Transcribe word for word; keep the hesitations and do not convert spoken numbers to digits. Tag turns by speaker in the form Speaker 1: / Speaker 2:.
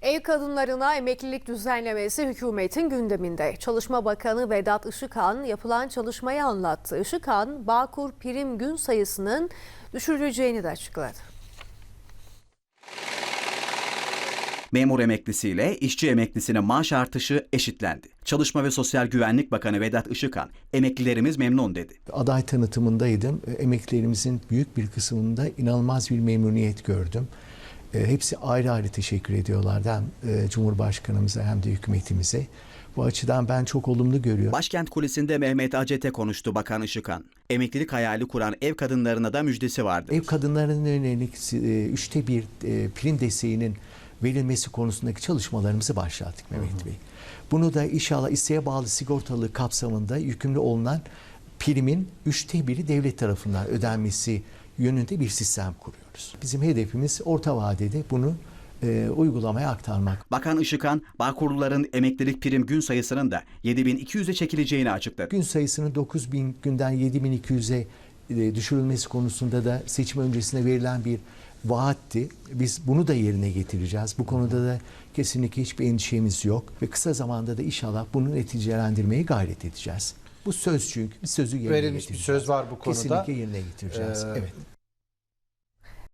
Speaker 1: Ev kadınlarına emeklilik düzenlemesi hükümetin gündeminde. Çalışma Bakanı Vedat Işıkhan yapılan çalışmayı anlattı. Işıkhan, Bağkur prim gün sayısının düşürüleceğini de açıkladı.
Speaker 2: Memur emeklisiyle işçi emeklisine maaş artışı eşitlendi. Çalışma ve Sosyal Güvenlik Bakanı Vedat Işıkhan, emeklilerimiz memnun dedi.
Speaker 3: Aday tanıtımındaydım. Emeklilerimizin büyük bir kısmında inanılmaz bir memnuniyet gördüm. Hepsi ayrı ayrı teşekkür ediyorlardı hem Cumhurbaşkanımıza hem de hükümetimize. Bu açıdan ben çok olumlu görüyorum.
Speaker 2: Başkent Kulesi'nde Mehmet Acet'e konuştu Bakan Işıkhan. Emeklilik hayali kuran ev kadınlarına da müjdesi vardı.
Speaker 3: Ev kadınlarının yönelik üçte bir prim desteğinin verilmesi konusundaki çalışmalarımızı başlattık Mehmet hı hı. Bey. Bunu da inşallah isteğe bağlı sigortalı kapsamında yükümlü olunan primin üçte biri devlet tarafından ödenmesi yönünde bir sistem kuruyoruz. Bizim hedefimiz orta vadede bunu e, uygulamaya aktarmak.
Speaker 2: Bakan Işıkhan, Bağkurluların emeklilik prim gün sayısının da yedi bin iki yüze çekileceğini açıkladı.
Speaker 3: Gün sayısının dokuz bin günden yedi bin iki yüze e, düşürülmesi konusunda da seçim öncesinde verilen bir vaatti. Biz bunu da yerine getireceğiz. Bu konuda da kesinlikle hiçbir endişemiz yok ve kısa zamanda da inşallah bunu neticelendirmeye gayret edeceğiz. Bu söz çünkü bir sözü yerine
Speaker 4: verilmiş bir söz var bu konuda.
Speaker 3: Kesinlikle yerine getireceğiz. Ee, evet.